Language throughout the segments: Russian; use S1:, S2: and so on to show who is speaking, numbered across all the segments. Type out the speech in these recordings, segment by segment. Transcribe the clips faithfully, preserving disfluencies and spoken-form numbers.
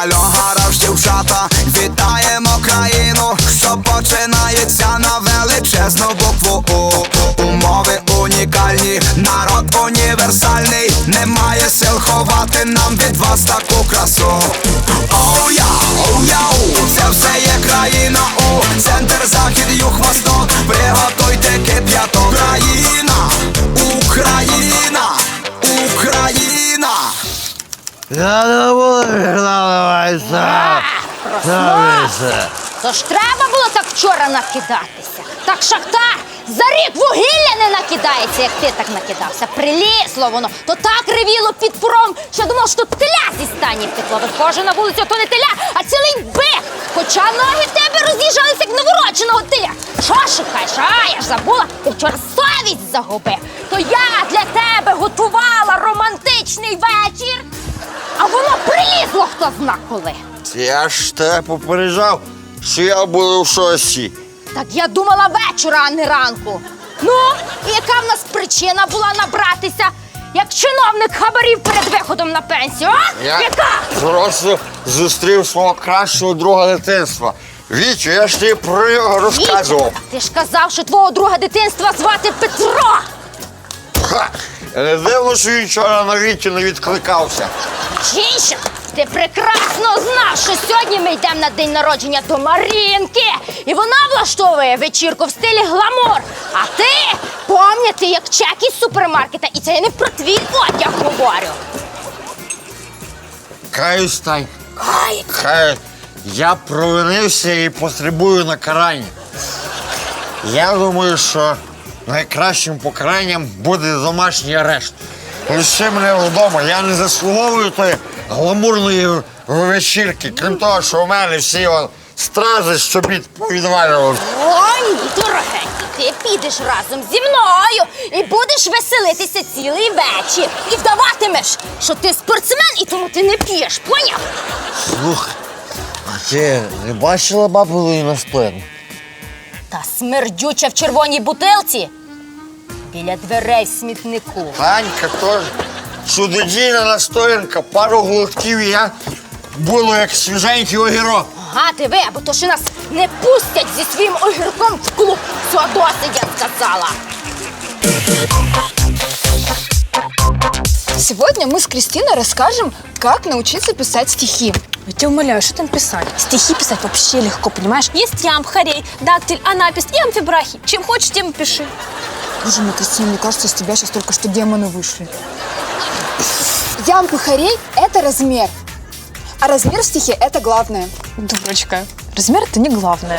S1: Альо, гараж, дівчата, вітаємо країну, що починається на величезну букву У. Умови унікальні, народ універсальний, немає сил ховати нам від вас таку красу. Оу-я, оу-яу, це все є країна У. Центр, захід, юг, восток, приготуйте кип'яток. Країна, Україна, Україна.
S2: Я не буду відкладуватися.
S3: Проснувся. То ж треба було так вчора накидатися. Так Шахтар за рік вугілля не накидається, як ти так накидався. Прилізло воно, то так ревіло під пром, що думав, що теля зі стані втекло. Виходжу на вулицю, то не теля, а цілий бик. Хоча ноги в тебе роз'їжджалися, як новородженого теля. Що шукаєш? А, я ж забула, ти вчора совість загубив. То я для тебе готувала романтичний вечір, а воно прилізло хто зна коли.
S2: Я ж тебе попереджав, що я буду в шості.
S3: Так я думала вечора, а не ранку. Ну, і яка в нас причина була набратися, як чиновник хабарів перед виходом на пенсію, а?
S2: Я
S3: Яка?
S2: просто зустрів свого кращого друга дитинства. Вітю, я ж тобі про нього розказував.
S3: Вітя, ти ж казав, що твого друга дитинства звати Петро.
S2: Ха! Не дивно, що він вчора на Вітю не відкликався.
S3: Чінчик, ти прекрасно знав, що сьогодні ми йдемо на день народження до Марінки. І вона влаштовує вечірку в стилі гламур. А ти, пам'яти, як чек із супермаркета. І це я не про твій одяг говорю.
S2: Каюсь, Тань.
S3: Ай,
S2: Хай я провинився і потребую накарання. Я думаю, що найкращим покаранням буде домашній арешт. Лише мене вдома, я не заслуговую тої гламурної вечірки, крім того, що у мене всі о, стрази щобіт повідвалювали.
S3: О, ні, дорогенький, ти підеш разом зі мною і будеш веселитися цілий вечір. І вдаватимеш, що ти спортсмен і тому ти не п'єш, поняв?
S2: Слухай, а ти не бачила бабу на спину?
S3: Та смердюча в червоній бутилці біля дверей в смітнику.
S2: Танька теж чудодійна настоянка, пару глотків і я було як свіженький огірок.
S3: Ага, ти ви, або то ще нас не пустять зі своїм огірком в клуб. Все, досить, я сказала.
S4: Сегодня мы с Кристиной расскажем, как научиться писать стихи.
S5: Я тебя умоляю, что там писать? Стихи писать вообще легко, понимаешь? Есть ямб, хорей, дактиль, анапис и амфибрахи. Чем хочешь, тем и пиши.
S4: Боже мой, Кристина, мне кажется, из тебя сейчас только что демоны вышли. Ямб и хорей – это размер. А размер в стихе – это главное.
S5: Дурочка, размер это не главное.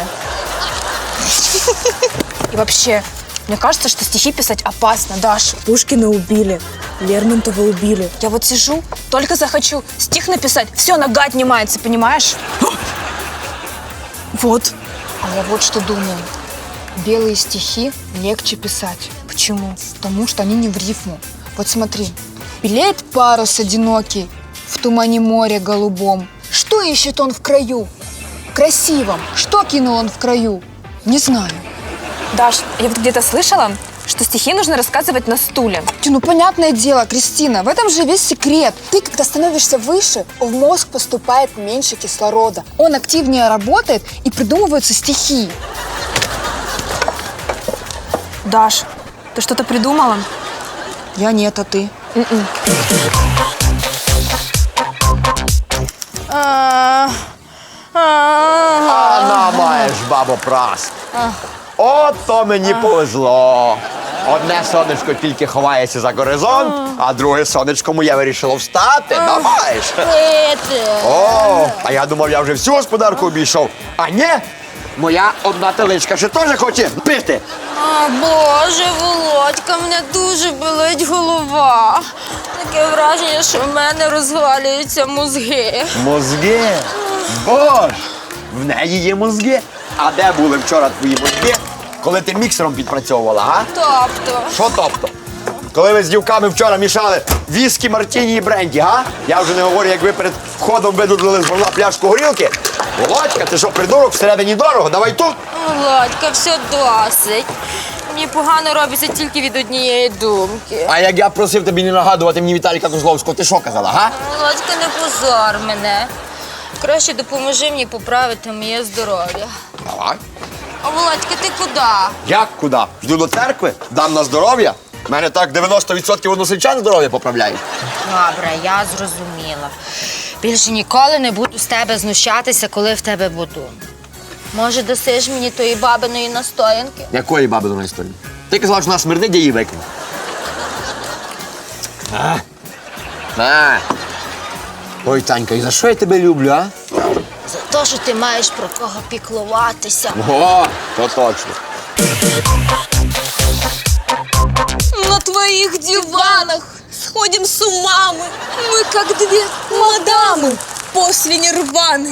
S5: И вообще, мне кажется, что стихи писать опасно, Даша.
S6: Пушкина убили, Лермонтова убили.
S5: Я вот сижу, только захочу стих написать, все, нога отнимается, понимаешь?
S6: Вот.
S4: А я вот что думаю. Белые стихи легче писать.
S5: Почему?
S4: Потому что они не в рифму. Вот смотри. Белеет парус одинокий в тумане моря голубом. Что ищет он в краю? Красивом. Что кинул он в краю? Не знаю.
S5: Даш, я вот где-то слышала, что стихи нужно рассказывать на стуле.
S4: Тю, ну понятное дело, Кристина, в этом же весь секрет. Ты, когда становишься выше, в мозг поступает меньше кислорода. Он активнее работает и придумываются стихи.
S5: Даш, ты что-то придумала?
S4: Я нет, а ты?
S7: А маєш, бабо, прас. Ото мені повезло. Одне сонечко тільки ховається за горизонт, а друге сонечко моє вирішило встати. Ну, маєш. О, а я думав, я вже всю господарку обійшов. А ні, моя одна теличка ще теж хоче пити.
S8: А, Боже, Володька, мене дуже болить голова. Таке враження, що в мене розвалюються мозги.
S7: Мозги? Боже, в неї є мозги. А де були вчора твої мозги, коли ти міксером підпрацьовувала, а?
S8: Тобто?
S7: Що тобто? Коли ви з дівками вчора мішали віскі, мартіні і бренді, га? Я вже не говорю, як ви перед входом видудлили з горла пляшку горілки. Володька, ти що, придурок, всередині дорого? Давай тут.
S8: Володька, все досить. Мені погано робиться тільки від однієї думки.
S7: А як я просив тобі не нагадувати мені Віталіка Козловського, ти що казала, га?
S8: Володька, не позор мене. Краще допоможи мені поправити моє здоров'я.
S7: Давай.
S8: А Володька, ти куди?
S7: Як куди? Жду до церкви, дам на здоров'я. У мене так дев'яносто відсотків односельчан здоров'я поправляють.
S8: Добре, я зрозуміла. Більше ніколи не буду з тебе знущатися, коли в тебе буду. Може, дасиш мені тої бабиної настоянки?
S7: Якої баби до нас історії? Ти казала, що вона смердить, я її викину. А? На. Ой, Танька, і за що я тебе люблю, а?
S8: За те, що ти маєш про кого піклуватися.
S7: О, то точно.
S5: На твоих диванах сходим с ума мы. Мы как две мадамы после нирваны.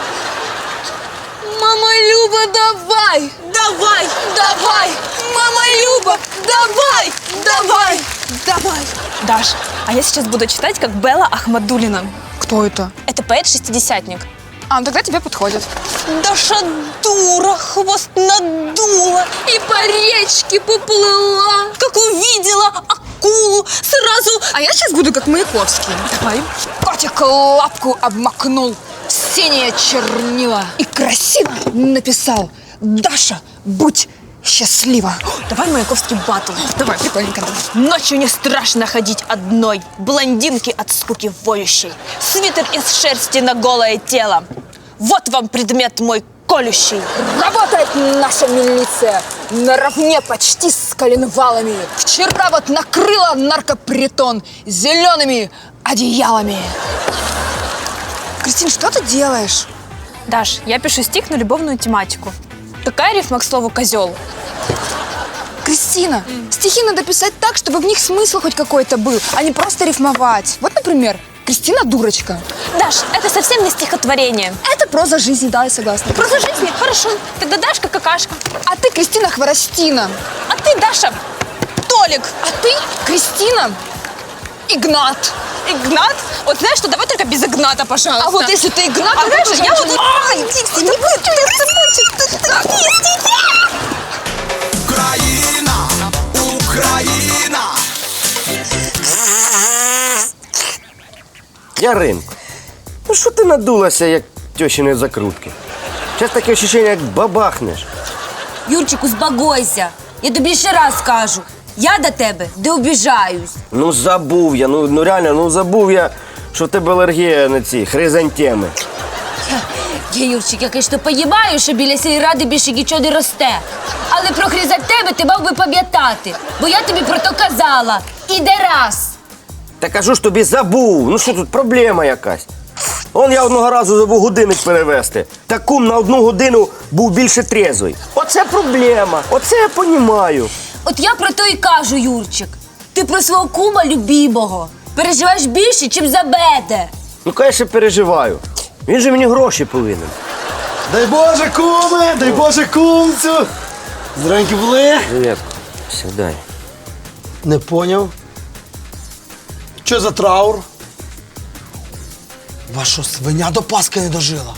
S5: Мама Люба, давай, давай, давай. Мама Люба, давай, давай, давай. Даш, а я сейчас буду читать, как Белла Ахмадуллина.
S4: Кто это?
S5: Это поэт-шестидесятник.
S4: А, ну тогда тебе подходит.
S5: Даша дура, хвост надула и по речке поплыла. Как увидела акулу, сразу...
S4: А я сейчас буду как Маяковский.
S5: Давай.
S4: Котик лапку обмакнул в синее чернила и красиво написал: «Даша, будь счастлива».
S5: Давай Маяковский батл.
S4: Давай, прикольненько.
S5: Ночью не страшно ходить одной, блондинки от скуки воющей. Свитер из шерсти на голое тело. Вот вам предмет мой колющий.
S4: Работает наша милиция наравне почти с коленвалами. Вчера вот накрыла наркопритон зелеными одеялами. Кристин, что ты делаешь?
S5: Даш, я пишу стих на любовную тематику. Какая рифма к слову «козел»?
S4: Кристина, стихи надо писать так, чтобы в них смысл хоть какой-то был, а не просто рифмовать. Вот, например, Кристина дурочка.
S5: Даш, это совсем не стихотворение.
S4: Это проза жизни, да, я согласна.
S5: Проза жизни? Хорошо. Тогда Дашка какашка.
S4: А ты, Кристина, Хворостина.
S5: А ты, Даша, Толик.
S4: А ты, Кристина, Игнат.
S5: Игнат? Вот знаешь что, давай только без Игната, пожалуйста.
S4: А вот если ты Игнат,
S5: А
S4: то
S5: знаешь,
S4: это
S5: я
S4: женщина.
S5: вот... Ай, Дикси, не будет, ты
S1: Україна, Україна.
S9: Яринко, ну що ти надулася, як тьощини закрутки? Зараз таке ощущення, як бабахнеш.
S8: Юрчику, збагойся. Я тобі ще раз кажу. Я до тебе не обіжаюсь.
S9: Ну забув я, ну, ну реально, ну забув я, що в тебе алергія на ці хризантеми.
S8: Я, Юрчик, я, конечно, поїбаю, що біля сільради більше нічого не росте. Але про хризантеми ти мав би пам'ятати, бо я тобі про то казала. Іде раз.
S9: Та кажу ж тобі, забув. Ну що тут, проблема якась? Он я одного разу забув годинник перевести. Та кум на одну годину був більше трезвий. Оце проблема, оце я понімаю.
S8: От я про то і кажу, Юрчик. Ти про свого кума любімого переживаєш більше, чим за мене.
S9: Ну, конечно, переживаю. Він же мені гроші повинен.
S10: Дай Боже, куме, дай Боже, кумцю. Здоровенькі були?
S9: Привіт, сідай.
S10: Не поняв. Що за траур? Ваша свиня до Пасхи не дожила.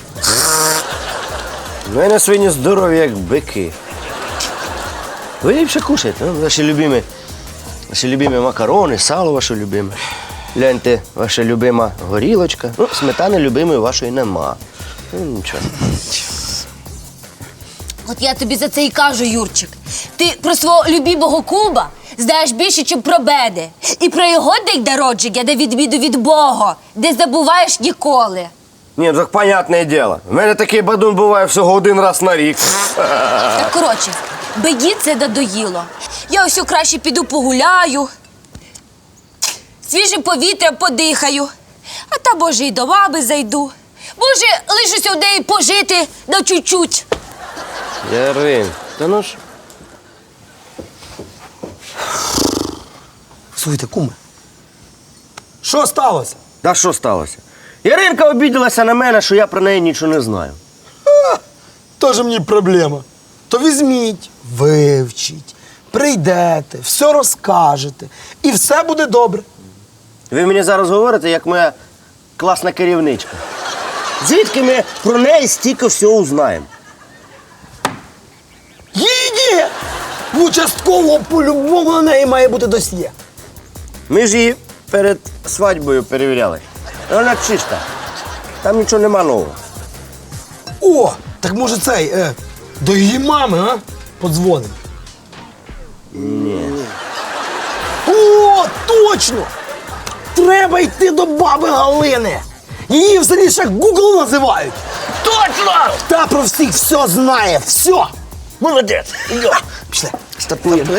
S9: У мене свині здорові, як бики. Ви ліпше кушайте, ну, ваші любимі, ваші любимі макарони, сало ваше любиме. Гляньте, ваша любима горілочка. Ну, сметани любимої вашої нема. Ну, нічого.
S8: От я тобі за це і кажу, Юрчик. Ти про свого любімого кума знаєш більше, ніж про мене. І про його день народження, на відміну від Бога, не забуваєш ніколи.
S9: Ні, так понятне діло. У мене такий бадун буває всього один раз на рік.
S8: Так, коротше, беді це надоїло. Я ось краще піду погуляю, свіжим повітрям подихаю, а та, може, і до мами зайду. Може, лишуся в неї пожити на чуть-чуть.
S9: Ярин, та ну ж.
S10: Слухайте, куме. Що сталося?
S9: Та що сталося? Яринка обідалася на мене, що я про неї нічого не знаю.
S10: Тоже мені проблема. То візьміть, вивчіть, прийдете, все розкажете, і все буде добре.
S9: Ви мені зараз говорите, як моя класна керівничка. Звідки ми про неї стільки всього узнаємо?
S10: Її! В участкового по-любому на неї має бути досьє.
S9: Ми ж її перед свадьбою перевіряли. Вона чиста. Там нічого нема нового.
S10: О, так може цей, е, до її мами, а? Подзвонимо.
S9: Ні.
S10: О, точно! Треба йти до баби Галини. Її в селі ще Google називають. Точно! Та про всіх все знає, все. Молодець. Йо. Пішли.
S9: Стартуємо.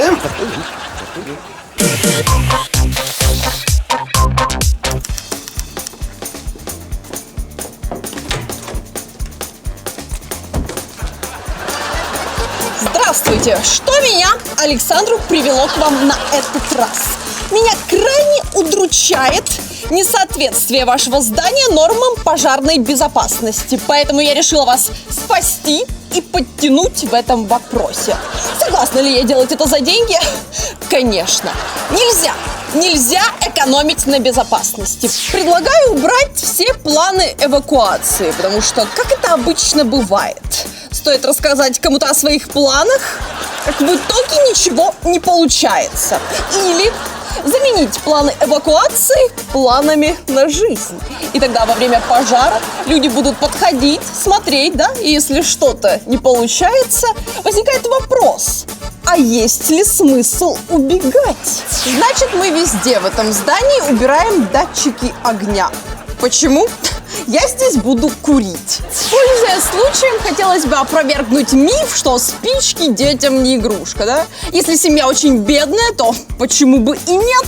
S5: Здравствуйте! Что меня, Александру, привело к вам на этот раз? Меня крайне удручает несоответствие вашего здания нормам пожарной безопасности. Поэтому я решила вас спасти и подтянуть в этом вопросе. Согласна ли я делать это за деньги? Конечно. Нельзя. Нельзя экономить на безопасности. Предлагаю убрать все планы эвакуации, потому что, как это обычно бывает, стоит рассказать кому-то о своих планах, как в итоге ничего не получается. Или заменить планы эвакуации планами на жизнь. И тогда во время пожара люди будут подходить, смотреть, да, и если что-то не получается, возникает вопрос: а есть ли смысл убегать? Значит, мы везде в этом здании убираем датчики огня. Почему? Я здесь буду курить. Пользуясь случаем, хотелось бы опровергнуть миф, что спички детям не игрушка, да? Если семья очень бедная, то почему бы и нет?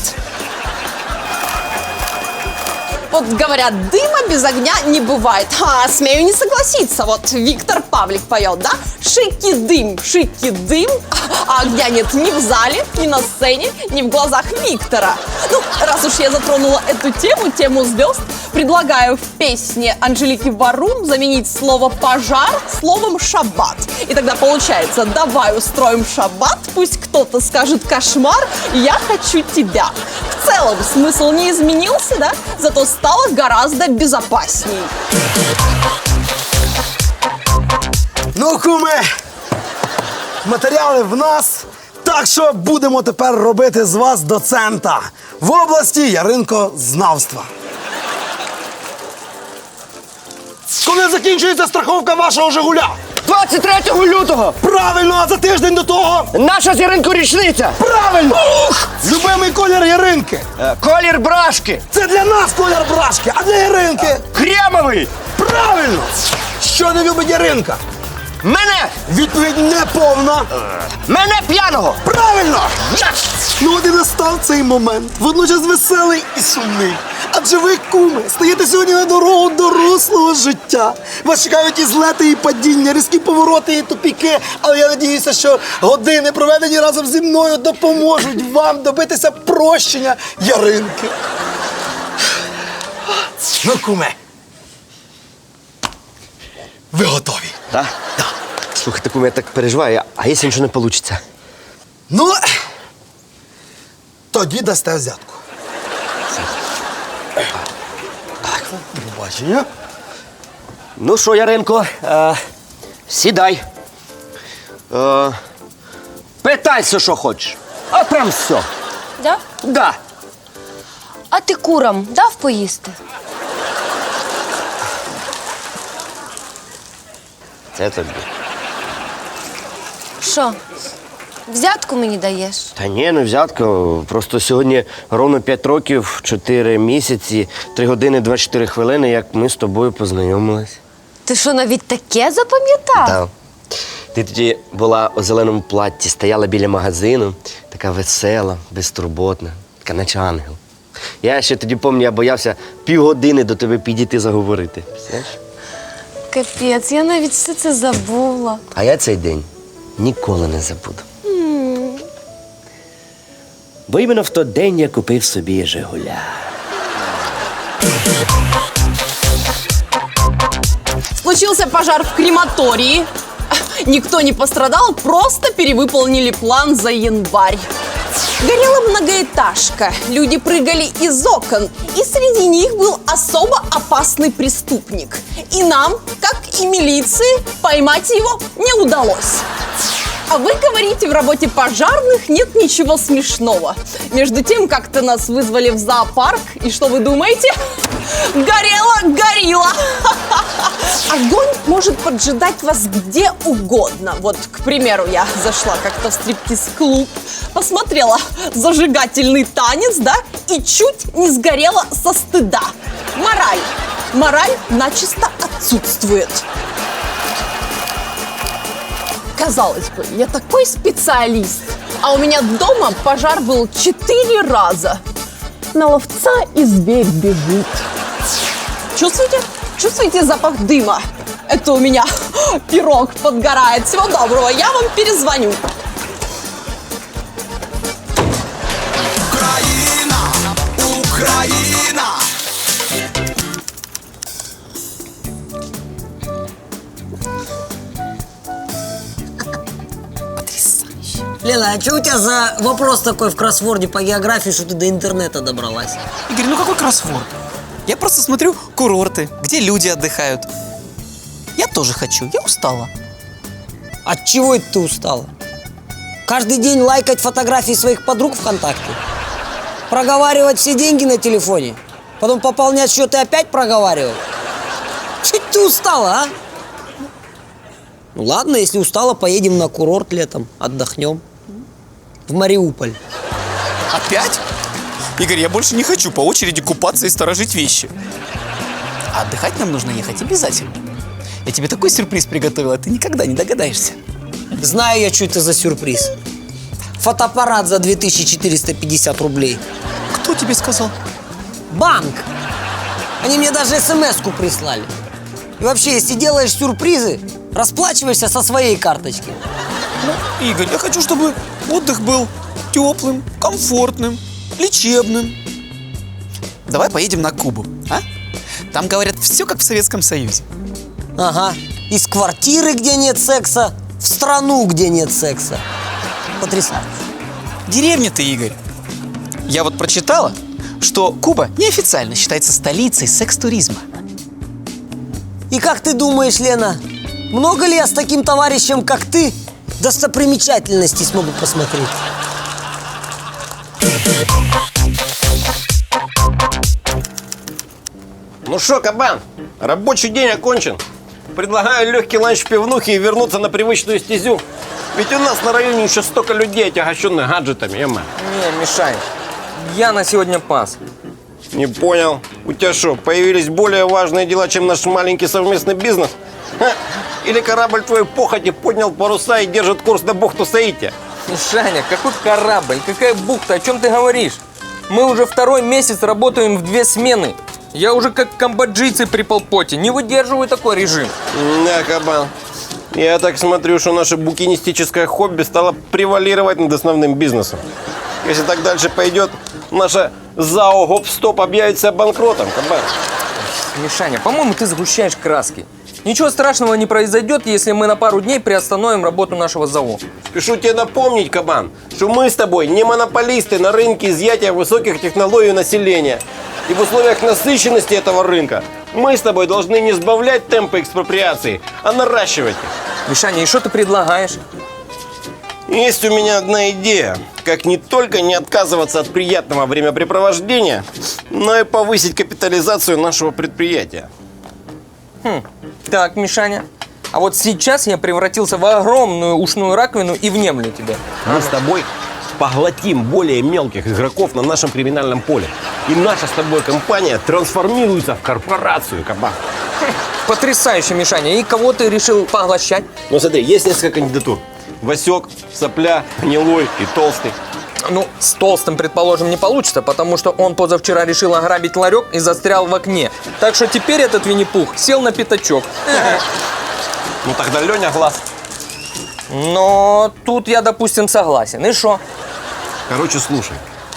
S5: Вот говорят, дыма без огня не бывает. А, смею не согласиться. Вот Виктор Павлик поет, да? Шики дым, шики дым. А огня нет ни в зале, ни на сцене, ни в глазах Виктора. Ну, раз уж я затронула эту тему, тему звезд, предлагаю в песне Анжелики Варум заменить слово «пожар» словом «шаббат». И тогда получается: давай устроим шаббат, пусть кто-то скажет «кошмар», я хочу тебя. В целом смысл не изменился, да? Зато стало гораздо безопасней.
S10: Ну, куме, матеріали в нас, так що будемо тепер робити з вас доцента в області яринкознавства. Коли закінчується страховка вашого «Жигуля»?
S9: двадцять третього лютого!
S10: Правильно, а за тиждень до того?
S9: Наша з Яринкою річниця!
S10: Правильно! Ух! Любимий колір Яринки.
S9: Е, Колір брашки!
S10: Це для нас колір брашки, а для Яринки?
S9: Кремовий!
S10: Правильно! Що не любить Яринка?
S9: Мене!
S10: Відповідь неповна.
S9: Мене п'яного!
S10: Правильно! Ну от і настав цей момент, водночас веселий і сумний. Адже ви, куми, стаєте сьогодні на дорогу дорослого життя. Вас чекають і злети, і падіння, різкі повороти, і тупіки. Але я надіюся, що години, проведені разом зі мною, допоможуть вам добитися прощення Яринки. Ну, куме, ви готові?
S9: Так? Так. Слухайте, куме, я так переживаю, а якщо нічого не вийде?
S10: Ну, тоді дасте взятку. Так, побачення.
S9: Ну що, Яринко, е, сідай. Е, питайся, що хочеш. А прям все.
S8: Да?
S9: Да.
S8: А ти курам дав поїсти?
S9: Це тобі.
S8: Що? Взятку мені даєш?
S9: Та ні, не взятка. Просто сьогодні ровно п'ять років, чотири місяці, три години, двадцять чотири хвилини, як ми з тобою познайомились.
S8: Ти що, навіть таке запам'ятав?
S9: Так. Ти тоді була у зеленому платті, стояла біля магазину, така весела, безтурботна, така наче ангел. Я ще тоді пам'ятаю, я боявся півгодини до тебе підійти заговорити. Знаєш?
S8: Капець, я навіть все це забула.
S9: А я цей день ніколи не забуду.
S8: Mm.
S9: Бо іменно в той день я купив собі «Жигуля».
S5: Случился пожар в крематории. Никто не пострадал, просто перевыполнили план за январь. Горела многоэтажка, люди прыгали из окон, и среди них был особо опасный преступник. И нам, как и милиции, поймать его не удалось. А вы говорите, в работе пожарных нет ничего смешного. Между тем, как-то нас вызвали в зоопарк, и что вы думаете? Горело горилла! Огонь может поджидать вас где угодно. Вот, к примеру, я зашла как-то в стриптиз-клуб, посмотрела зажигательный танец, да, и чуть не сгорела со стыда. Мораль. Мораль начисто отсутствует. Казалось бы, я такой специалист, а у меня дома пожар был четыре раза. На ловца и зверь бежит. Чувствуете? Чувствуете запах дыма? Это у меня пирог подгорает. Всего доброго, я вам перезвоню.
S1: Україна, Україна.
S11: Лена, а что у тебя за вопрос такой в кроссворде по географии, что ты до интернета добралась?
S12: Игорь, ну какой кроссворд? Я просто смотрю курорты, где люди отдыхают. Я тоже хочу, я устала.
S11: От чего это ты устала? Каждый день лайкать фотографии своих подруг ВКонтакте? Проговаривать все деньги на телефоне? Потом пополнять счет и опять проговаривать? Чуть ты устала, а? Ну ладно, если устала, поедем на курорт летом, отдохнем. В Мариуполь.
S12: Опять? Игорь, я больше не хочу по очереди купаться и сторожить вещи. А отдыхать нам нужно ехать обязательно. Я тебе такой сюрприз приготовила, ты никогда не догадаешься.
S11: Знаю я, что это за сюрприз. Фотоаппарат за две тысячи четыреста пятьдесят рублей.
S12: Кто тебе сказал?
S11: Банк. Они мне даже смс-ку прислали. И вообще, если делаешь сюрпризы, расплачивайся со своей карточки.
S12: Ну, Игорь, я хочу, чтобы отдых был теплым, комфортным, лечебным. Давай поедем на Кубу, а? Там, говорят, все как в Советском Союзе.
S11: Ага. Из квартиры, где нет секса, в страну, где нет секса. Потрясающе.
S12: Деревня ты, Игорь. Я вот прочитала, что Куба неофициально считается столицей секс-туризма.
S11: И как ты думаешь, Лена, много ли я с таким товарищем, как ты, достопримечательностей смогу посмотреть?
S9: Ну что, кабан, рабочий день окончен. Предлагаю легкий ланч в пивнухе и вернуться на привычную стезю. Ведь у нас на районе еще столько людей, отягощенных гаджетами, ема.
S13: Не, Мишань, я на сегодня пас.
S9: Не понял. У тебя что, появились более важные дела, чем наш маленький совместный бизнес? Ха? Или корабль твой похоти поднял паруса и держит курс на бухту Саити?
S13: Мишаня, какой корабль, какая бухта, о чем ты говоришь? Мы уже второй месяц работаем в две смены. Я уже как камбоджийцы при полпоте, не выдерживаю такой режим.
S9: Да, кабан. Я так смотрю, что наше букинистическое хобби стало превалировать над основным бизнесом. Если так дальше пойдет, наша ЗАО Гоп-Стоп объявится банкротом, кабан.
S13: Мишаня, по-моему, ты сгущаешь краски. Ничего страшного не произойдет, если мы на пару дней приостановим работу нашего ЗАО.
S9: Спешу тебе напомнить, кабан, что мы с тобой не монополисты на рынке изъятия высоких технологий у населения. И в условиях насыщенности этого рынка мы с тобой должны не сбавлять темпы экспроприации, а наращивать их.
S13: Мишаня, и что ты предлагаешь?
S9: Есть у меня одна идея, как не только не отказываться от приятного времяпрепровождения, но и повысить капитализацию нашего предприятия.
S13: Хм. Так, Мишаня, а вот сейчас я превратился в огромную ушную раковину и внемлю тебе.
S9: Мы с тобой поглотим более мелких игроков на нашем криминальном поле. И наша с тобой компания трансформируется в корпорацию, кабан.
S13: Потрясающе, Мишаня. И кого ты решил поглощать?
S9: Ну смотри, есть несколько кандидатур. Васек, Сопля, Гнилой и Толстый.
S13: Ну, с Толстым, предположим, не получится, потому что он позавчера решил ограбить ларек и застрял в окне. Так что теперь этот Винни-Пух сел на пятачок.
S9: Ну тогда Леня Глаз.
S13: Но тут я, допустим, согласен. И что?
S9: Короче, слушай.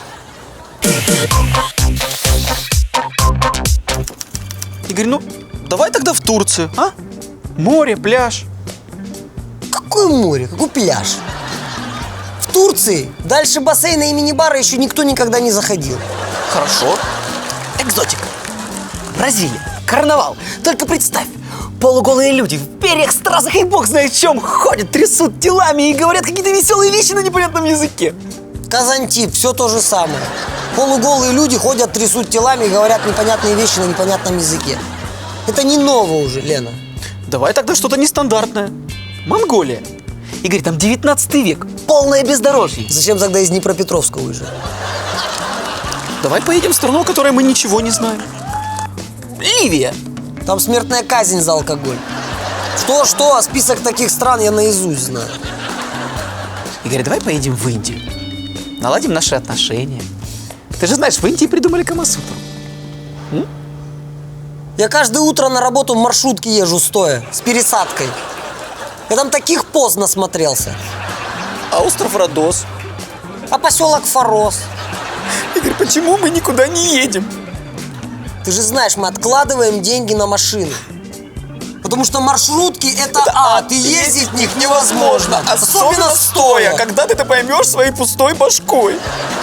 S12: Игорь, ну давай тогда в Турцию, а? Море, пляж.
S11: Какое море? Какой пляж? В Турции дальше бассейна и мини-бара еще никто никогда не заходил.
S12: Хорошо. Экзотика. Бразилия. Карнавал. Только представь, полуголые люди в перьях, стразах и бог знает в чем ходят, трясут телами и говорят какие-то веселые вещи на непонятном языке.
S11: Казантип, все то же самое. Полуголые люди ходят, трясут телами и говорят непонятные вещи на непонятном языке. Это не ново уже, Лена.
S12: Давай тогда что-то нестандартное. Монголия. Игорь, там девятнадцатый век, полное бездорожье.
S11: Зачем тогда из Днепропетровска уезжать?
S12: Давай поедем в страну, о которой мы ничего не знаем. Ливия.
S11: Там смертная казнь за алкоголь. Что-что, а список таких стран я наизусть знаю.
S12: Игорь, давай поедем в Индию. Наладим наши отношения. Ты же знаешь, в Индии придумали Камасутру. М?
S11: Я каждое утро на работу в маршрутке езжу стоя, с пересадкой. Я там таких поз насмотрелся.
S12: А остров Родос?
S11: А поселок Форос?
S12: Игорь, почему мы никуда не едем?
S11: Ты же знаешь, мы откладываем деньги на машины. Потому что маршрутки это, это ад, и ездить в них невозможно.
S12: Особенно, особенно стоя, когда ты это поймешь своей пустой башкой.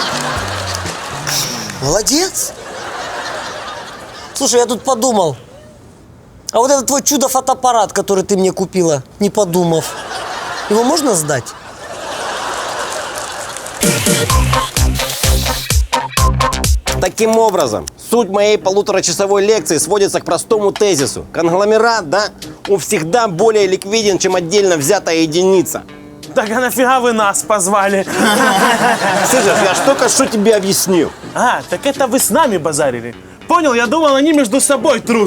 S11: Молодец. Слушай, я тут подумал. А вот этот твой чудо-фотоаппарат, который ты мне купила, не подумав, его можно сдать?
S9: Таким образом, суть моей полуторачасовой лекции сводится к простому тезису. Конгломерат, да, он всегда более ликвиден, чем отдельно взятая единица.
S14: Так а нафига вы нас позвали?
S9: Слышишь, я ж только что тебе объяснил.
S14: А, так это вы с нами базарили. Понял, я думал, они между собой трут.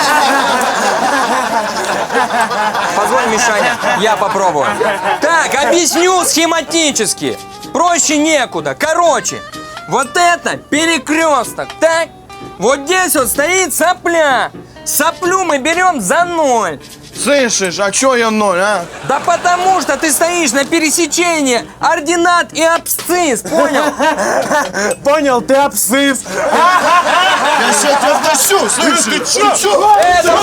S13: Позволь, Мишаня, я попробую. Так, объясню схематически. Проще некуда. Короче, вот это перекресток, так? Вот здесь вот стоит сопля. Соплю мы берем за ноль.
S14: Слышишь, а чё я ноль, а?
S13: Да потому что ты стоишь на пересечении ординат и абсцисс, понял?
S14: Понял, ты абсцисс.
S1: Я сейчас тебя втащу, слышишь? Ты чё?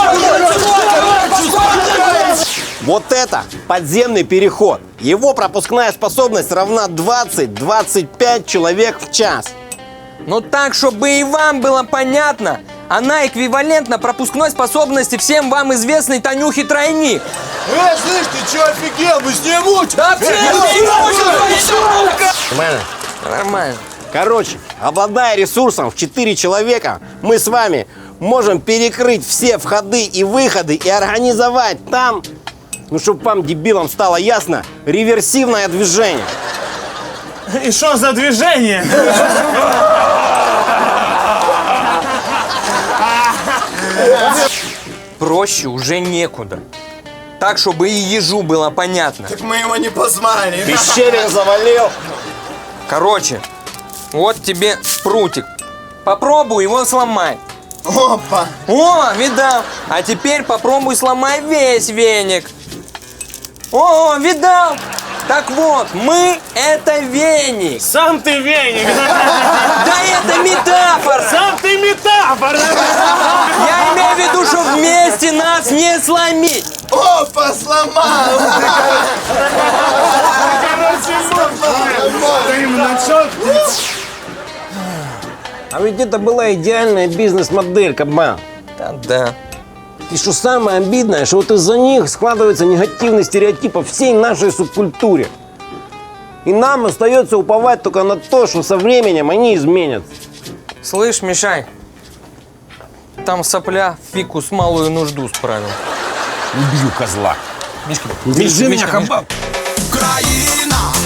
S9: Вот это подземный переход. Его пропускная способность равна двадцать-двадцать пять человек в час.
S13: Ну так, чтобы и вам было понятно, она эквивалентна пропускной способности всем вам известной Танюхи Тройник.
S1: Эй, слышь, ты чё офигел? Мы с ней мучим!
S13: Да все
S9: Нормально?
S13: Нормально.
S9: Короче, обладая ресурсом в четыре человека, мы с вами можем перекрыть все входы и выходы и организовать там, ну, чтобы вам, дебилам, стало ясно, реверсивное движение.
S14: И что за движение?
S13: Проще уже некуда. Так, чтобы и ежу было понятно.
S1: Так мы его не позвали.
S9: Пещерин завалил.
S13: Короче, вот тебе прутик. Попробуй его сломать.
S1: Опа.
S13: О, видал. А теперь попробуй сломай весь веник. О, видал. Так вот, мы это веник.
S14: Сам ты веник.
S13: Да это метафора.
S14: Сам ты метафора.
S13: Я имею в виду, что вместе нас не сломить.
S1: Опа, сломал.
S9: А ведь это была идеальная бизнес-модель, кабан.
S13: Да, да.
S9: И что самое обидное, что вот из-за них складывается негативный стереотип о всей нашей субкультуре. И нам остается уповать только на то, что со временем они изменятся.
S13: Слышь, Мишань, там сопля фикус малую нужду справил.
S9: Убью козла.
S13: Мишка,
S9: Держи меня, кабан.
S1: Украина!